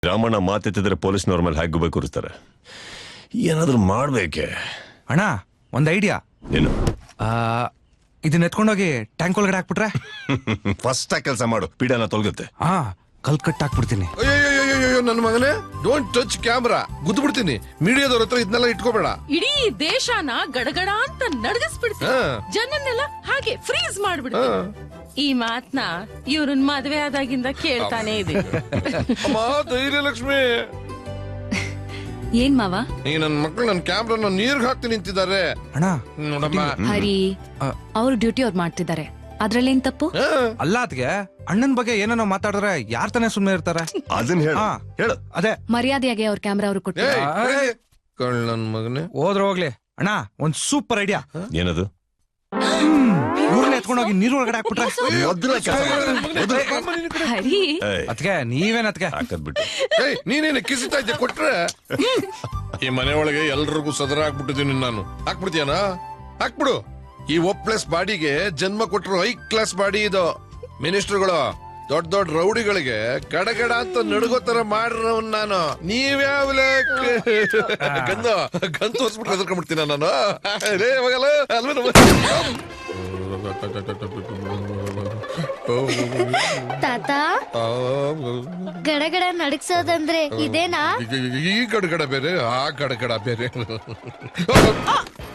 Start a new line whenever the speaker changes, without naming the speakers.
ರಾಮಣ್ಣ ಮಾತೆತ್ತಿದ್ರೆ ಪೊಲೀಸ್ನವ್ರ ಮೇಲೆ ಹೇಗೆ ಕೂರಿಸ್ತಾರೆ. ಏನಾದ್ರೂ ಮಾಡ್ಬೇಕೆ
ಅಣ್ಣ? ಒಂದ್ ಐಡಿಯಾ.
ಏನು?
ಇದನ್ನ ಎತ್ಕೊಂಡೋಗಿ ಟ್ಯಾಂಕ್ ಒಳಗಡೆ ಹಾಕ್ಬಿಟ್ರೆ
ಫಸ್ಟ್ ಕೆಲಸ ಮಾಡು, ಪೀಡನ ತೊಲಗುತ್ತೆ.
ಕಲ್ ಕಟ್ ಹಾಕ್ಬಿಡ್ತೀನಿ.
ಅಯ್ಯೋ ನನ್ನ ಮಗನೇ, ಡೋಂಟ್ ಟಚ್ ಕ್ಯಾಮ್ರಾ, ಗುದ್ದು ಬಿಡ್ತೀನಿ. ಮೀಡಿಯಾದವ್ರ ಹತ್ರ ಇದನ್ನೆಲ್ಲ ಇಟ್ಕೋಬೇಡ.
ಇಡೀ ದೇಶನ ಗಡಗಡ ಅಂತ ನಡಗಿಸ್ಬಿಡ್ತೀನಿ, ಜನನ್ನೆಲ್ಲ ಹಾಗೆ ಫ್ರೀಸ್ ಮಾಡ್ಬಿಡ್ತೀನಿ. ಈ ಮಾತ್ನ ಇವ್ರನ್ ಮದ್ವೆ ಆದಾಗಿಂದ ಕೇಳ್ತಾನೆ ಇದೆ.
ಅಮ್ಮ ಧೈರ್ಯ ಲಕ್ಷ್ಮಿ.
ಏನ್ ಮಾವ?
ಈ ನನ್ ಮಕ್ಳು ನನ್ ಕ್ಯಾಮ್ರಾನ ನೀರ್ಗ್ ಹಾಕ್ತಿ ನಿಂತಿದ್ದಾರೆ.
ಅಣ್ಣ
ನೋಡಮ್ಮ,
ಹರಿ ಅವ್ರ ಡ್ಯೂಟಿ ಅವ್ರು ಮಾಡ್ತಿದ್ದಾರೆ, ಅದ್ರಲ್ಲೇನ್ ತಪ್ಪು?
ಅಲ್ಲ ಅದ್ಗೆ ಅಣ್ಣನ್ ಬಗ್ಗೆ ಏನೇನೋ ಮಾತಾಡಿದ್ರೆ ಯಾರ್ ತಾನೇ ಸುಮ್ನೆ ಇರ್ತಾರೆ?
ಅದನ್ನ ಹೇಳು.
ಅದೇ
ಮರ್ಯಾದೆಯಾಗಿ ಅವ್ರ ಕ್ಯಾಮ್ರಾ ಅವ್ರು ಕೊಟ್ಟು.
ನನ್ ಮಗನೇ,
ಹೋದ್ರೆ ಹೋಗ್ಲಿ. ಅಣ್ಣ ಒಂದ್ ಸೂಪರ್ ಐಡಿಯಾ.
ಏನದು?
ಇವ್ರನ್ನ ಎತ್ಕೊಂಡೋಗಿ ನೀರ್ ಒಳಗಡೆ ಹಾಕ್ಬಿಟ್ರೆ
ಹರಿ
ಅದ್ಕೆ ನೀವೇನ್ ಅದ್ಕೆ
ಹಾಕದ್ಬಿಟ್ಟು
ನೀನೇನು ಕಿಸಿತಾ ಇದ್ದೆ ಕೊಟ್ರೆ ಈ ಮನೆ ಒಳಗೆ ಎಲ್ರಿಗೂ ಸದರ ಹಾಕ್ಬಿಟ್ಟಿದ್ದೀನಿ ನಾನು. ಹಾಕ್ಬಿಡ್ತೀಯನಾ? ಹಾಕ್ಬಿಡು. ಈ ಒಪ್ಲೆಸ್ ಬಾಡಿಗೆ ಜನ್ಮ ಕೊಟ್ಟರು ಹೈ ಕ್ಲಾಸ್ ಬಾಡಿ ಇದು. ಮಿನಿಸ್ಟರ್ಗಳು ದೊಡ್ಡ ದೊಡ್ಡ ರೌಡಿಗಳಿಗೆ ಗಡಗಡ ಅಂತ ನಡುಗೋ ತರ ಮಾಡ್ರವ್ ನಾನು. ನೀವ್ಯಾವ ಗಂದು ತೋರ್ಸ್ಬಿಟ್ಟು ಎದ್ಕೊಂಡ್ಬಿಡ್ತೀನ ನಾನು.
ತಾತ, ಗಡಗಡ ನಡಗ್ಸೋದಂದ್ರೆ ಇದೇನಾ?
ಈ ಗಡಗಡ ಬೇರೆ, ಆ ಗಡಗಡ ಬೇರೆ.